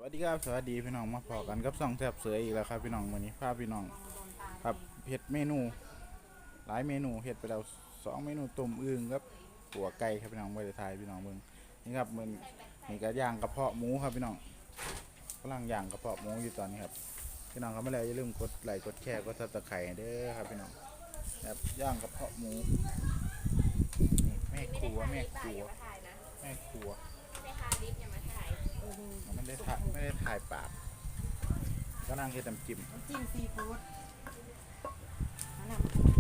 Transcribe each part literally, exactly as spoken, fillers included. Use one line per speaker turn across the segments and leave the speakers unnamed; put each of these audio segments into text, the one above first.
วัสดีครับสวัสดีพี่น้องมาพอกันกับส่องแซ่บเสืออีกแล้วครับพี่น้องวันนี้พาพี่น้องครับเห็ดเมนูหลายเมนูเห็ดไปแล้วสองเมนูต้มอึ่งครับหัวไก่ครับพี่น้องไว้ในไทยพี่น้องเบิ่งนี่ครับมันนี่ก็ย่างกระเพาะหมูครับพี่น้องกำลังย่างกระเพาะหมูอยู่ตอนนี้ครับพี่น้องครับไม่แล้วอย่าลืมกดไลค์กดแชร์กดซับสไครต์เด้อครับพี่น้องครับย่างกระเพาะหมูนี่แม่ครัวแม่ครัวแม่ครัวไม่ได้ถ่ายไม่ได้ถ่ายปากก็นั่งเฮ็ดน้ำจิ้ม
น้ำจิ้มซีฟู้ดนั่นแหละ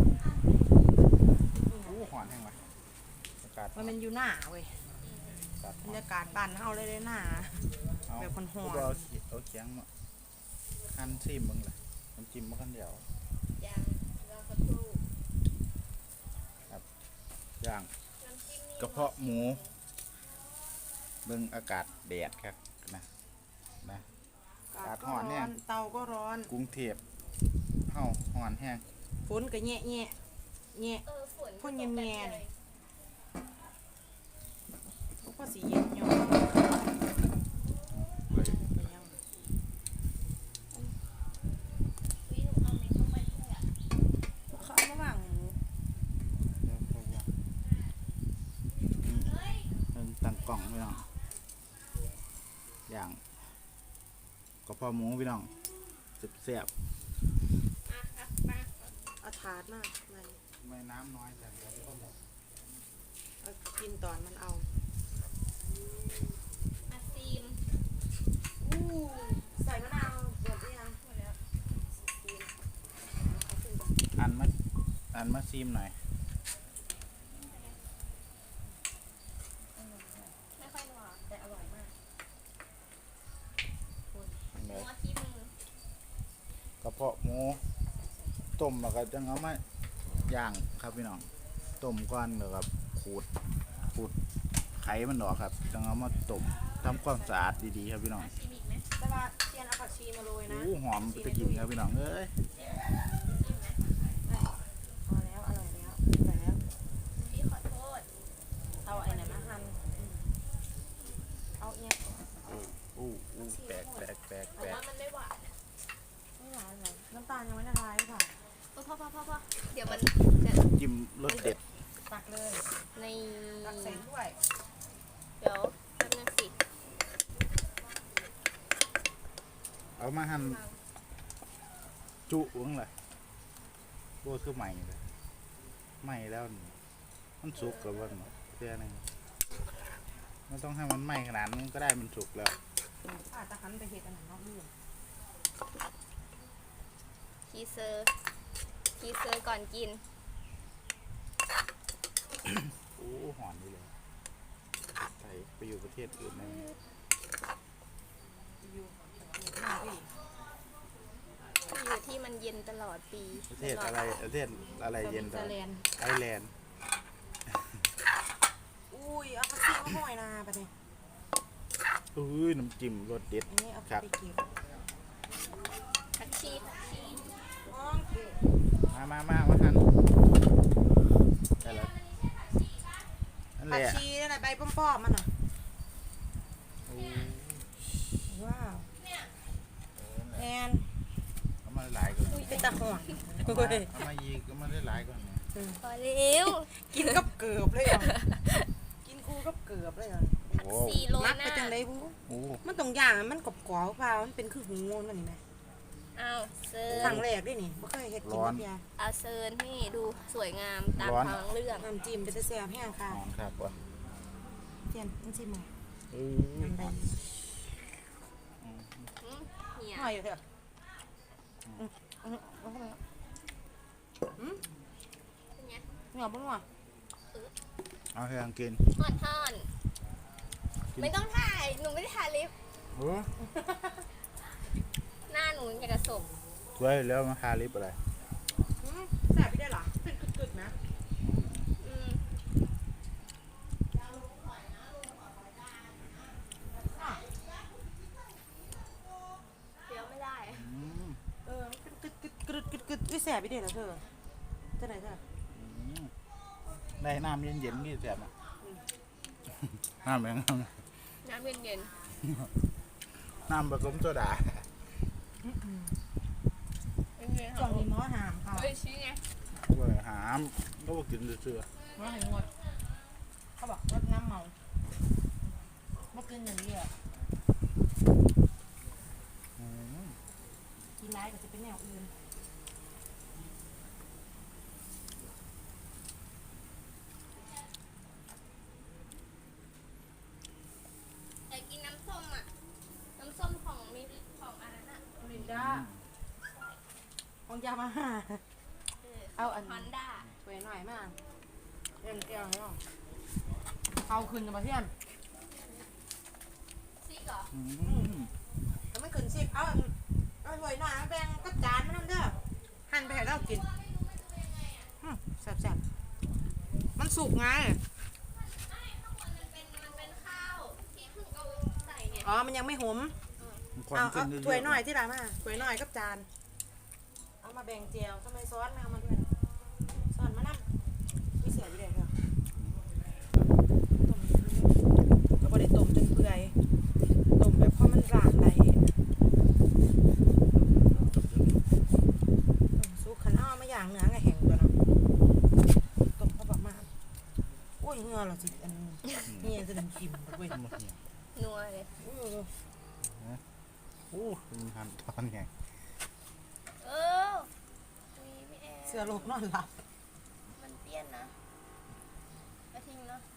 โอ้หอนแห้งว่ะอากาศ
มันเป็นอยู่หน้าเว้ยบรรยากาศบ้านเฮาเลยเลยหน้าแบบคนหอน
เอาเอาเคียงมาหั่นซิมมึงเลยน้ำจิ้มมากันเดียวย่างรอสักครู่ครับย่างกระเพาะหมูเบิ่งอากาศแดดครับนะนะอากาศร้อนแห้ง
เตาก็ร้อน
กรุงเทพเฮาร้อนแห้ง
ฝนก็แง่แง่แง่พ่นเย็นแง่เลยก็สีเย็นอยู่เขาเอาระหว่าง
ตั้งกล่องพี่น้องอย่างกระเพาะหมูพี่น้องเสียบ
เอาถาดมากมัน
ไม่น้ำน้อยแต่ก็หมด
เอากินตอนมันเอา
อาซีม
อู้ใส่มะนาวหมดหรือยังหมดแล้ว
อันมาอันมาซีมหน่อย
ไม่ค่อยนัวแต่อร่อยมาก
นั
วที่มือก
ระเพาะหมูต้มแล้วก็จังเอามาย่างครับพี่น้องต้มก่อนแล้วก็ขูดขูดไขมันออกครับจังเอามาต้มทำความสะอาดดีๆครับพี่น้อง
ชิมอีกไหม
แต่ว่าเทียนเอาผักชีมาโรยนะ
โอ้หอมไปกินครับพี่น้องเอ้ย
พอแล้วอร่อยแล้วอร่อยแล้ว
พี่ขอโทษ
เอาไอ้ไหนมาหั่นเอาเนี่ย
อู้อู้แปลกแปลกแปลก
เพราะว่ามันไม่หวาน
ไม่หวานเลยน้ำตาลยังไม่ละลายค่ะ
พ่อพ่อพ่อพ่อเดี๋ยวมันจะ
จิ้มรสเด็ด
ตักเลย
ใน
ตักใส่ถ้วย
เดี๋ยวแป๊บนึงสิ
เอามาหั่นจุอุ้งเลยโบ้คือใหม่เลยใหม่แล้วมันสุกกับวันเพื่อนึงไม่ต้องให้มันไหม้ขนาดนั้นก็ได้มันสุกแล้ว
อาจจะหันไปเห็ดอันนั้นนอกด้วย
คีเซอร์คีเซอร์ก่อนกิน
โอ้หอนดีเลยไปไปอยู่ประเทศอื่นนั่น
อยู่
อยู่ที่มันเย็นตลอดปี
ประเทศอะไรประเทศอะไรเย็นตลอดไอร์แลนด์
อุ้ยเอาผักชีมาห่อยนาไปเลย
อุ้ยน้ำจิ้มรสเด็ดครับ
ผักชีผักชี
มามามามาทันได้แล้ว
ผักชีนั่นแหละใบป้อมๆมันอ่ะว้าวแอน
เอามาหลายก่อน
เป็นตะหอน
เอามายีก็มาได้หลายก่อน
พอแล้ว
กินกับเกือบเลยอ่ะกินคู่กับเกือบเลยอ่ะ
ผักชีโรยหน้า
ไปจังเลยบูมันตรงอย่างมันกรอบกรอบเปล่ามันเป็นคือหูมันนี่ไหม
เอาเซิร์
นครั้งแรกด้วยนี่ไม่เคยเห็ดกินแบบนี้
เอาเซิร์นให้ดูสวยงามตามท้องเรื่อง
น้ำจิ้มเป็นแซ่บแห้งค่ะ
ครับว่ะ
เทียนน้ำจิ้มมาน้ำใบ
เนี่ย
หน่อยเถอะเหนียวปุ๊บว่ะ
เอาให้ยังกิน
ทอดทอดไม่ต้องถ่ายหนูไม่ได้ถ่ายลิฟต์หน้าหนูจะกระสม
สวยแล้วมาทาลิปอะไร
แสบไปได้หรอเป็นกึดๆนะ
เดี๋ยวไม่ได้
เออเป็นกึดกึดกึดกึดกึดด้วยแสบไปได้หรอเธอเท่าไหร่เธอ
ได้น้ำเย็นๆนี่แสบอ่ะน้ำแข็ง
น้ำเย็น
น้ำผสมโซดา
ช่วงนี้หมอหามค่ะ
เอ้ยชี้ไง
เว้ยหามก็บ่กินเชื่อ
หมอให้งดเขาบอกลดน้ำเมาไม่กินอย่างนี้อ่ะ
ๆอืม
กินร้ายก็จะเป็นแนวอื่น
อยากกินน้ำส้มอ่ะ น้ำส้มของมีของอันนั้นอ่ะ
ลินดาของยามาฮ่า เอาอัน
ฮอนด้า
สวยหน่อยมากเอ็นเอลให้ลองเอาคืนกับมาเทียน
ซิกเหรอ
อืม
ถ้าไม่คืนสิบเอาอันเอาสวยหน่อยมาแบ่งกับจานมาทำเด้อหั่นไปให้เรากินอืมแซ่บๆมันสุกไง
มันเป็นมันเป็นข้าวที่เพิ่งเอาใส่เนี่ย
อ๋อมันยังไม่หอม
ความ
เอา
ขึ้
เอา
นเรื่อยๆ
ถ้วยหน่อยที่ร้านมาถ้วยหน่อยกับจานเอามาแบ่งเจียวทำไมซอสไม่เอามาด้วยซอสมานั่งมีเสืออยู่เด็ดเหรอก็บ่ได้ต้มจนเปื่อยต้มแบบพอมันร่างได้ต้มซุกขันเอามาอย่างเนื้อไงแห้งตัวเนาะต้มเข้าประมาณโอ้ยเหงือเหราสิอันนี่จะดึงกิมไปเว้ย
หมดเนี่ย
นัวเลย
เออ
โอ้มีหันตอนไง
เออมีพี่แอ
เสือโลกนอนหลับ
มันเปี้ยนนะกระทิงเนาะ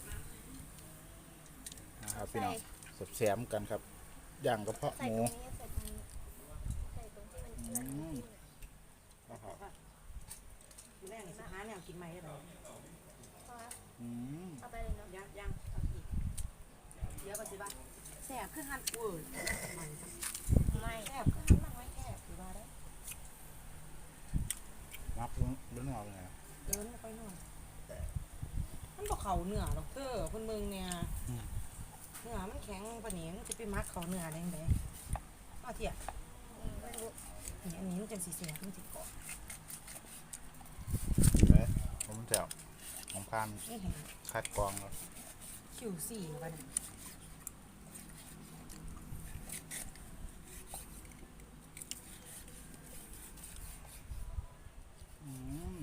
นะครับพี่น้องแสบๆกันครับย่างกระเพาะ
ใส่
ห
ต
มู
รงนี้ใส่ตรงนี้ใส่ตรงที่มันเปื้อน
อืม นะครับ
ดูแรกนี่สิหาแนวกินใหม่ได้ไหม
พอละ
อืม
เอาไปเลยเนาะ
ยังยังเอาอีกเดี๋ยวก่อนสิบ้าแสบคือหันเวอร์มัน
ไม่
แสบคือหันมันไว้แสบสิบ้าได้
นับเรื่องเอาไง
เดินไปหน่อยมันบอกเขาเหนือหรอกเตอร์คนเมืองเนี่ยเหนือมันแข็งปะนี้มันจะไปมักเขาเหนือได้ยังไงเอาเถีย
อืมไม่รู้
นี่อันนี้มันจังสีเสียมันจิกเกาะ
เฮ้ยผมแถวของพาน
นี่เห็น
คัดกรองแล้ว
คิวสี่ปะเนี่ย
อืม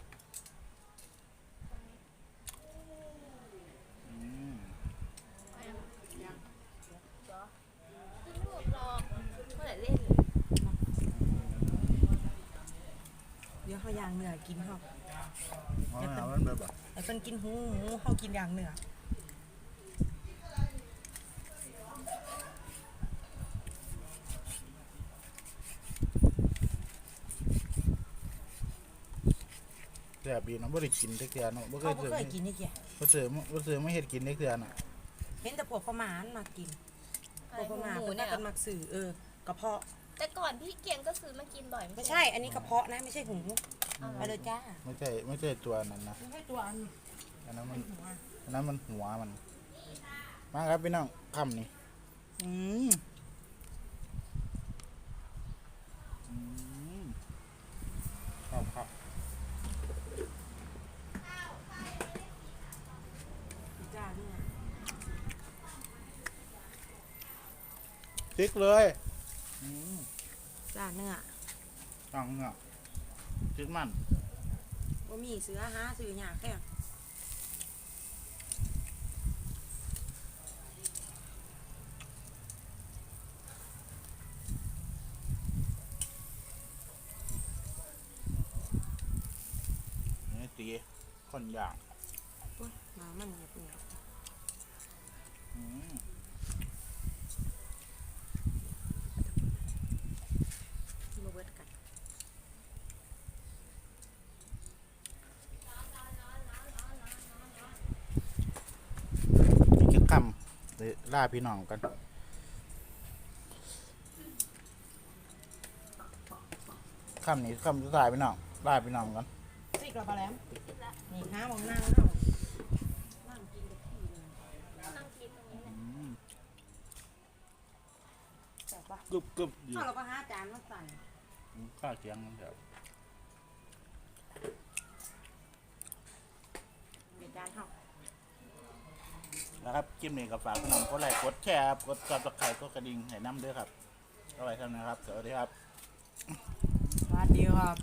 อืม
ยัง
เหรอไม่รู้หรอกเมื่อไหร่เล่น
เดี๋ยวเขาย่างเหนือกินเขา
อ๋อเอามันแบบแบบ
ไอ้คนกินหูหมูเขากินอย่างเหนือ
แซ่บดีเนาะบ่ได้กินเด็กเทื่อเนาะบ่เค
เขา
ย
บ่
เจอ
เคยกินนี่แก
บ่เจอบ่เจอไม่เฮ็ดกินเด็กเทื่อน่ะ
เห็นแต่พวกพม่ามันมากิน
อะ
พ
ไร
วกพ
ของ
ม่า
หมู
เพิ่น
เนี่
น่าย กันมักสื่อเออกระเพาะ
แต่ก่อนพี่เกียงก็ซื้อมากินบ่อย
ไม่ใช่ อันนี้กระเพาะนะไม่ใช่หู
เอา
ไปเลยจ้า
ไม่ใช่ไม่ใช่ตัวนั้นนะ
ไม่ใช่ตัวอัน
อันนั้นมัน
หัว
อันนั้นมันหัวมัน มาครับพี่น้องคำนี่อืมอืมครับครับ
จ้าเนี่ย
ติ๊กเลยอืม
จ้าเนื้อ
ตังเงาติ๊กมัน
ว่ามีเสือหาซื้อหยากแค่
นี่ตีคนอย่าง
อุ๊ยมามันเงียบเงียบ
อืม
มาเบิดกัน
อีกจะคำเลยล่าพี่น้องกันคำนี้คำสุดท้ายพี่น้องล่าพี่น้องกัน
สิกระปลาแหลมนี่น้ำของนางเนาะนั่งกินกับที่เลย
นั่งกินตรงนี้แหละ
อืม
แซ่บปะ
กึบกึบอยู่
เอาเราก็หาจานมาใส่
ข้าวเคียงมันเถอะ
เดี๋ยวจานเฮา
นะครับคลิปนี้ก็ฝากพี่น้องกดไลค์กดแชร์ครับกดซับสไครต์กดกระดิ่งให้น้ำด้วยครับเอาไว้เท่านั้นครับสวัสดีครับ
สวัสดีครับ